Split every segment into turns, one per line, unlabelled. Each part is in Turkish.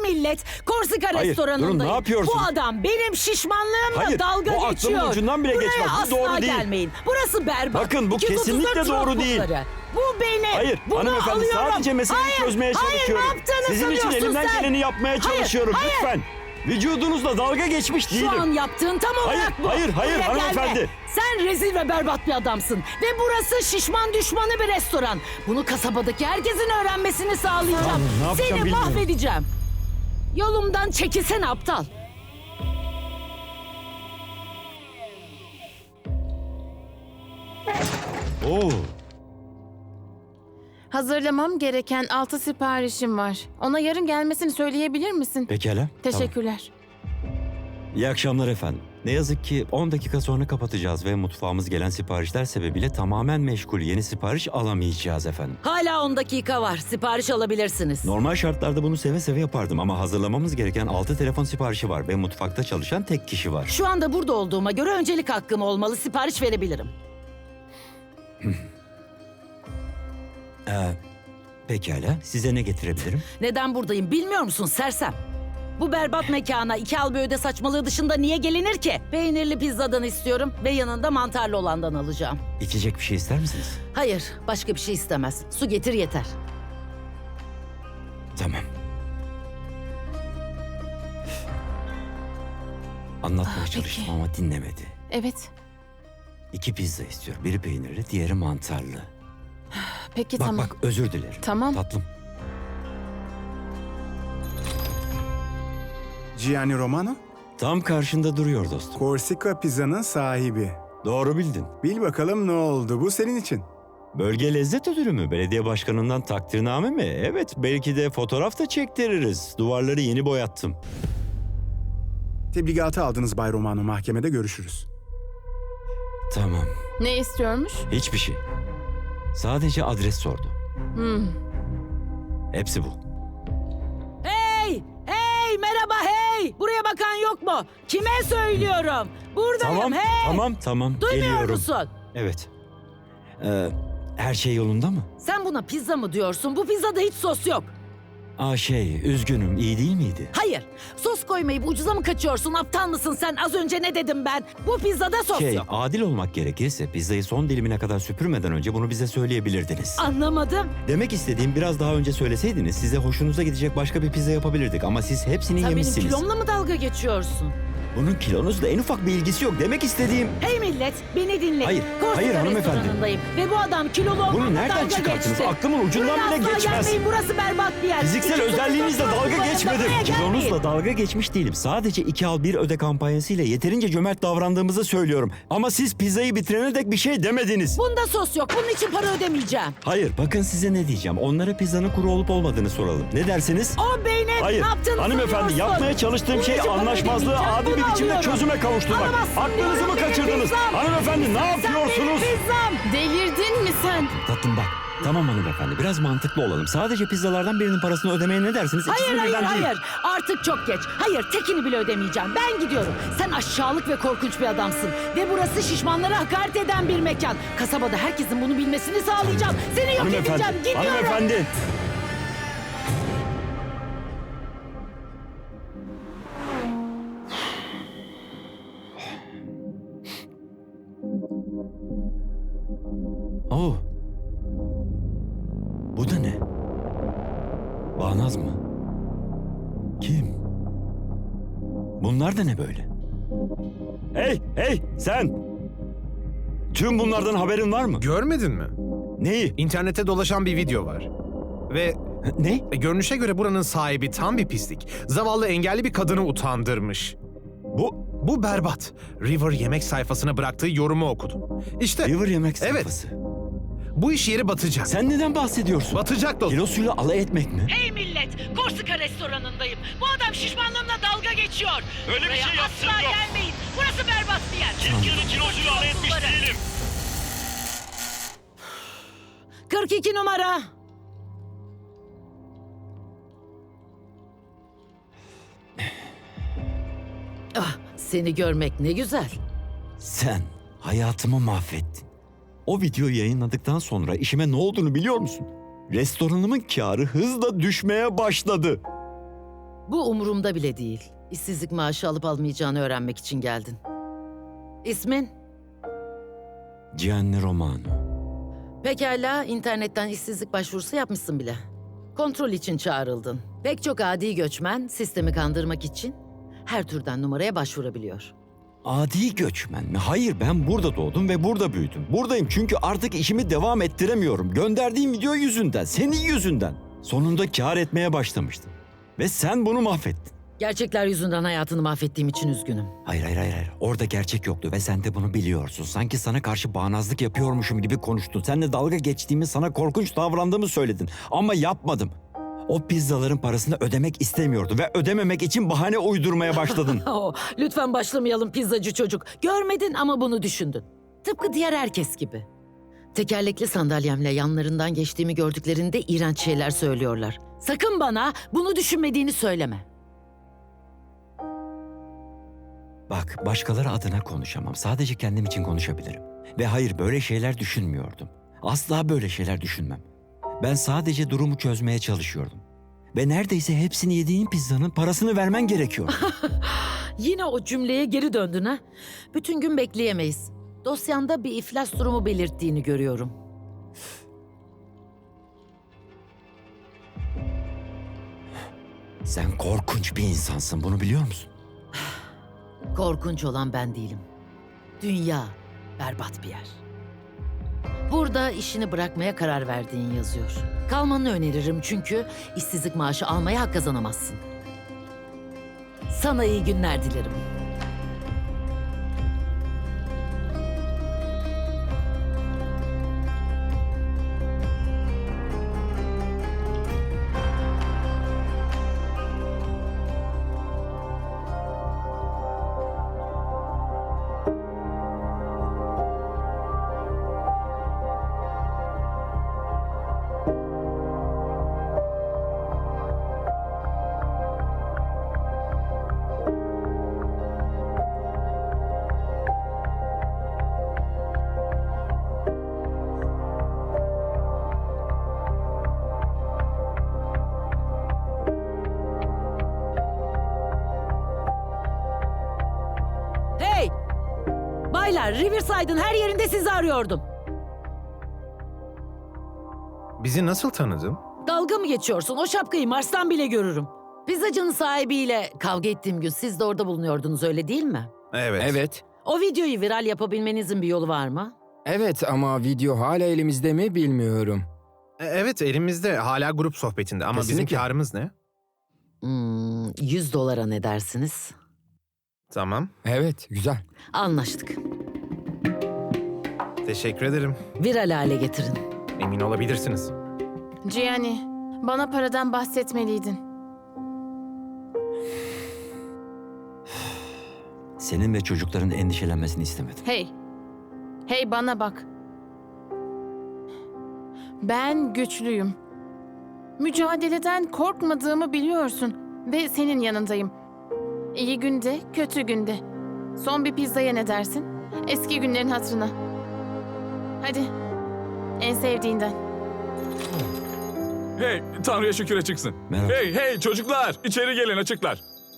millet, Korsika
Hayır,
restoranındayım.
durun, ne yapıyorsunuz?
Bu adam benim şişmanlığımla
Hayır,
dalga
bu
geçiyor.
aklımın ucundan bile
Buraya
geçmez. Bu
asla
doğru değil.
gelmeyin. Burası berbat.
Bakın, bu
234
kesinlikle doğru değil.
notebookları. Bu benim.
Hayır,
Bunu
hanımefendi,
alıyorum.
sadece meseleyi
Hayır,
çözmeye çalışıyorum.
Hayır, ne yaptığını
Sizin için
sanıyorsun
elimden
sen?
geleni yapmaya çalışıyorum.
Hayır.
Lütfen. Vücudunuzla dalga geçmiş değilim.
Şu an yaptığın tam olarak
Hayır,
bu.
hayır,
Buraya gelme.
hanımefendi.
Sen rezil ve berbat bir adamsın. Ve burası şişman düşmanı bir restoran. Bunu kasabadaki herkesin öğrenmesini sağlayacağım.
Tamam, ne yapacağım
Seni
bilmiyorum.
mahvedeceğim. Yolumdan çekilsene aptal.
Oo.
Hazırlamam gereken 6 siparişim var. Ona yarın gelmesini söyleyebilir misin?
Pekala. Tamam.
Teşekkürler.
İyi akşamlar efendim. Ne yazık ki 10 dakika sonra kapatacağız ve mutfağımız gelen siparişler sebebiyle tamamen meşgul. Yeni sipariş alamayacağız efendim.
Hala 10 dakika var. Sipariş alabilirsiniz.
Normal şartlarda bunu seve seve yapardım ama hazırlamamız gereken 6 telefon siparişi var ve mutfakta çalışan tek kişi var.
Şu anda burada olduğuma göre öncelik hakkım olmalı. Sipariş verebilirim.
Pekala. Size ne getirebilirim?
Neden buradayım bilmiyor musun sersem? Bu berbat mekana 2 al bir öde saçmalığı dışında niye gelinir ki? Peynirli pizzadan istiyorum ve yanında mantarlı olandan alacağım.
İçecek bir şey ister misiniz?
Hayır, başka bir şey istemez. Su getir yeter.
Tamam. Anlatmaya
Peki.
çalıştım ama dinlemedi.
Evet.
2 pizza istiyor. Biri peynirli, diğeri mantarlı.
Peki
Bak
tamam.
bak, özür dilerim.
Tamam.
Tatlım.
Gianni Romano,
Tam karşında duruyor dostum.
Korsika Pizza'nın sahibi.
Doğru bildin.
Bil bakalım ne oldu, bu senin için.
Bölge lezzet ödülü mü? Belediye başkanından takdirname mi? Evet, belki de fotoğraf da çektiririz. Duvarları yeni boyattım.
Tebligatı aldınız Bay Romano, mahkemede görüşürüz.
Tamam.
Ne istiyormuş?
Hiçbir şey. Sadece adres sordu. Hepsi bu.
Hey! Hey! Merhaba hey! Buraya bakan yok mu? Kime söylüyorum? Buradayım
Tamam,
hey!
tamam.
Duymuyor
Geliyorum.
musun?
Evet. Her şey yolunda mı?
Sen buna pizza mı diyorsun? Bu pizzada hiç sos yok.
Üzgünüm. İyi değil miydi?
Hayır. Sos koymayıp ucuza mı kaçıyorsun? Aptal mısın sen? Az önce ne dedim ben? Bu pizzada sos yok.
Adil olmak gerekirse pizzayı son dilimine kadar süpürmeden önce bunu bize söyleyebilirdiniz.
Anlamadım.
Demek istediğim, biraz daha önce söyleseydiniz size hoşunuza gidecek başka bir pizza yapabilirdik ama siz hepsini
Sen benim
yemişsiniz.
kilomla mı dalga geçiyorsun?
Bunun kilonuzla en ufak bir ilgisi yok. Demek istediğim...
Hey millet, beni dinleyin.
Hayır,
Korsika
hayır hanımefendi.
restoranındayım ve bu adam kilolu olmamla
Bunu nereden
dalga
çıkarttınız?
geçti.
Aklımın ucundan
Buraya
bile
asla
geçmez.
gelmeyin, burası berbat bir yer.
Fiziksel
234
özelliğinizle dalga
notebooklarında
geçmedim.
buraya gelmeyin.
Kilonuzla dalga geçmiş değilim. Sadece 2 al 1 öde kampanyasıyla yeterince cömert davrandığımızı söylüyorum. Ama siz pizzayı bitirene dek bir şey demediniz.
Bunda sos yok, bunun için para ödemeyeceğim.
Hayır, bakın size ne diyeceğim. Onlara pizzanın kuru olup olmadığını soralım. Ne dersiniz?
O benim,
Hayır,
ne yaptığını
hanımefendi,
sanıyorsun?
yapmaya çalıştığım
Bunun
şey
için para
anlaşmazlığı
ödemeyeceğim,
adil bir
bunu
biçimde
alıyorum.
çözüme kavuşturmak.
Alamazsın
Aklınızı
diyorum,
mı
benim
kaçırdınız?
pizzam.
Hanımefendi, ne
Sen
yapıyorsunuz?
benim pizzam.
Delirdin mi sen?
Tatlım bak. Tamam hanımefendi, biraz mantıklı olalım. Sadece pizzalardan birinin parasını ödemeye ne dersiniz?
Hayır,
İkisini
hayır,
birden değil.
hayır. Artık çok geç. Hayır, tekini bile ödemeyeceğim. Ben gidiyorum. Sen aşağılık ve korkunç bir adamsın. Ve burası şişmanlara hakaret eden bir mekan. Kasabada herkesin bunu bilmesini sağlayacağım. Seni yok edeceğim. Gidiyorum.
Hanımefendi. Oh. Bu da ne? Bağnaz mı? Kim? Bunlar da ne böyle? Hey sen! Tüm bunlardan haberin var mı?
Görmedin mi?
Neyi?
İnternette dolaşan bir video var. Ve
Ne?
görünüşe göre buranın sahibi tam bir pislik. Zavallı engelli bir kadını utandırmış. Bu berbat. River yemek sayfasına bıraktığı yorumu okudum. İşte
River yemek
Evet.
sayfası.
bu iş yeri batacak.
Sen neden bahsediyorsun?
Batacak dostum.
Kilosuyla alay etmek mi?
Hey millet, Korsika restoranındayım. Bu adam şişmanlığımla dalga geçiyor.
Öyle bir
Buraya
şey yaptığım
asla
yok.
gelmeyin. Burası berbat bir yer.
Kimsenin kilosuyla alay etmiş değilim.
42 numara. Ah, seni görmek ne güzel.
Sen hayatımı mahvettin. O videoyu yayınladıktan sonra işime ne olduğunu biliyor musun? Restoranımın kârı hızla düşmeye başladı.
Bu umurumda bile değil. İşsizlik maaşı alıp almayacağını öğrenmek için geldin. İsmin?
Gianni Romano.
Pekala, internetten işsizlik başvurusu yapmışsın bile. Kontrol için çağrıldın. Pek çok adi göçmen sistemi kandırmak için her türden numaraya başvurabiliyor.
Adi göçmen mi? Hayır, ben burada doğdum ve burada büyüdüm. Buradayım çünkü artık işimi devam ettiremiyorum. Gönderdiğim video yüzünden, senin yüzünden. Sonunda kâr etmeye başlamıştım. Ve sen bunu mahvettin.
Gerçekler yüzünden hayatını mahvettiğim için üzgünüm.
Hayır. Orada gerçek yoktu ve sen de bunu biliyorsun. Sanki sana karşı bağnazlık yapıyormuşum gibi konuştun. Seninle dalga geçtiğimi, sana korkunç davrandığımı söyledin. Ama yapmadım. O pizzaların parasını ödemek istemiyordum ve ödememek için bahane uydurmaya başladın.
Lütfen başlamayalım pizzacı çocuk. Görmedin ama bunu düşündün. Tıpkı diğer herkes gibi. Tekerlekli sandalyemle yanlarından geçtiğimi gördüklerinde iğrenç şeyler söylüyorlar. Sakın bana bunu düşünmediğini söyleme.
Bak, başkaları adına konuşamam. Sadece kendim için konuşabilirim. Ve hayır, böyle şeyler düşünmüyordum. Asla böyle şeyler düşünmem. Ben sadece durumu çözmeye çalışıyordum. Ve neredeyse hepsini yediğin pizzanın parasını vermen gerekiyor.
Yine o cümleye geri döndün ha? Bütün gün bekleyemeyiz. Dosyanda bir iflas durumu belirttiğini görüyorum.
Sen korkunç bir insansın, bunu biliyor musun?
Korkunç olan ben değilim. Dünya berbat bir yer. Burada işini bırakmaya karar verdiğin yazıyor. Kalmanı öneririm çünkü işsizlik maaşı almaya hak kazanamazsın. Sana iyi günler dilerim. Hey! Baylar, Riverside'ın her yerinde sizi arıyordum.
Bizi nasıl tanıdın?
Dalga mı geçiyorsun? O şapkayı Mars'tan bile görürüm. Pizzacının sahibiyle kavga ettiğim gün siz de orada bulunuyordunuz, öyle değil mi?
Evet.
Evet.
O videoyu viral yapabilmenizin bir yolu var mı?
Evet ama video hala elimizde mi bilmiyorum.
Evet, elimizde hala grup sohbetinde ama bizim
Kesinlikle.
karımız ne?
$100 ne dersiniz?
Tamam.
Evet, güzel.
Anlaştık.
Teşekkür ederim.
Viral hale getirin.
Emin olabilirsiniz.
Gianni, bana paradan bahsetmeliydin.
Senin ve çocukların endişelenmesini istemedim.
Hey bana bak. Ben güçlüyüm. Mücadeleden korkmadığımı biliyorsun ve senin yanındayım. İyi günde, kötü günde. Son bir pizzaya ne dersin? Eski günlerin hatırına. Hadi. En sevdiğinden.
Hey, Tanrı'ya şükür açıksın.
Merhaba.
Hey çocuklar, içeri gelin açıklar.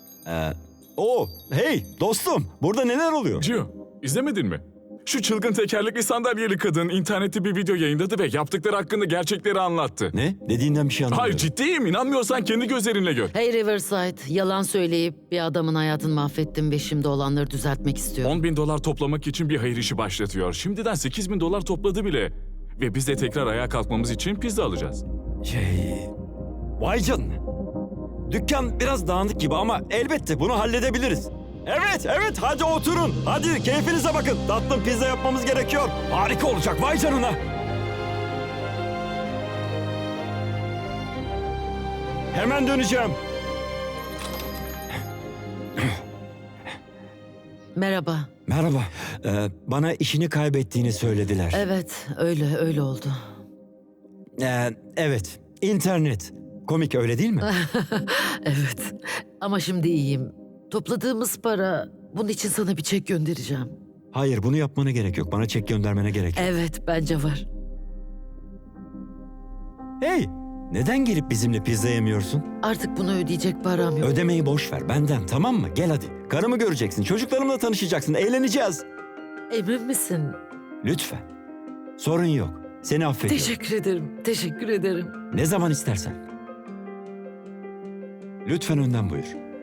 Hey dostum, burada neler oluyor?
Gio, izlemedin mi? Şu çılgın tekerlekli sandalyeli kadın internette bir video yayınladı ve yaptıkları hakkında gerçekleri anlattı.
Ne? Dediğinden bir şey anlamıyorum.
Hayır, ciddiyim. İnanmıyorsan kendi gözlerinle gör.
Hey Riverside, yalan söyleyip bir adamın hayatını mahvettim ve şimdi olanları düzeltmek istiyorum.
$10.000 toplamak için bir hayır işi başlatıyor. Şimdiden $8.000 topladı bile. Ve biz de tekrar ayağa kalkmamız için pizza alacağız.
Vay canına. Dükkan biraz dağınık gibi ama elbette bunu halledebiliriz. Evet, hadi oturun. Hadi keyfinize bakın. Tatlım pizza yapmamız gerekiyor. Harika olacak, vay canına. Hemen döneceğim.
Merhaba.
Merhaba. Bana işini kaybettiğini söylediler.
Evet, öyle oldu.
Evet, internet. Komik öyle değil mi?
Evet, ama şimdi iyiyim. Topladığımız para, bunun için sana bir çek göndereceğim.
Hayır, bunu yapmana gerek yok. Bana çek göndermene gerek yok.
Evet, bence var.
Hey, Neden gelip bizimle pizza yemiyorsun?
Artık bunu ödeyecek param yok.
Ödemeyi boş ver benden, tamam mı? Gel hadi. Karımı göreceksin, çocuklarımla tanışacaksın, eğleneceğiz.
Emin misin?
Lütfen. Sorun yok. Seni affediyorum.
Teşekkür ederim. Teşekkür ederim.
Ne zaman istersen. Lütfen önden buyur.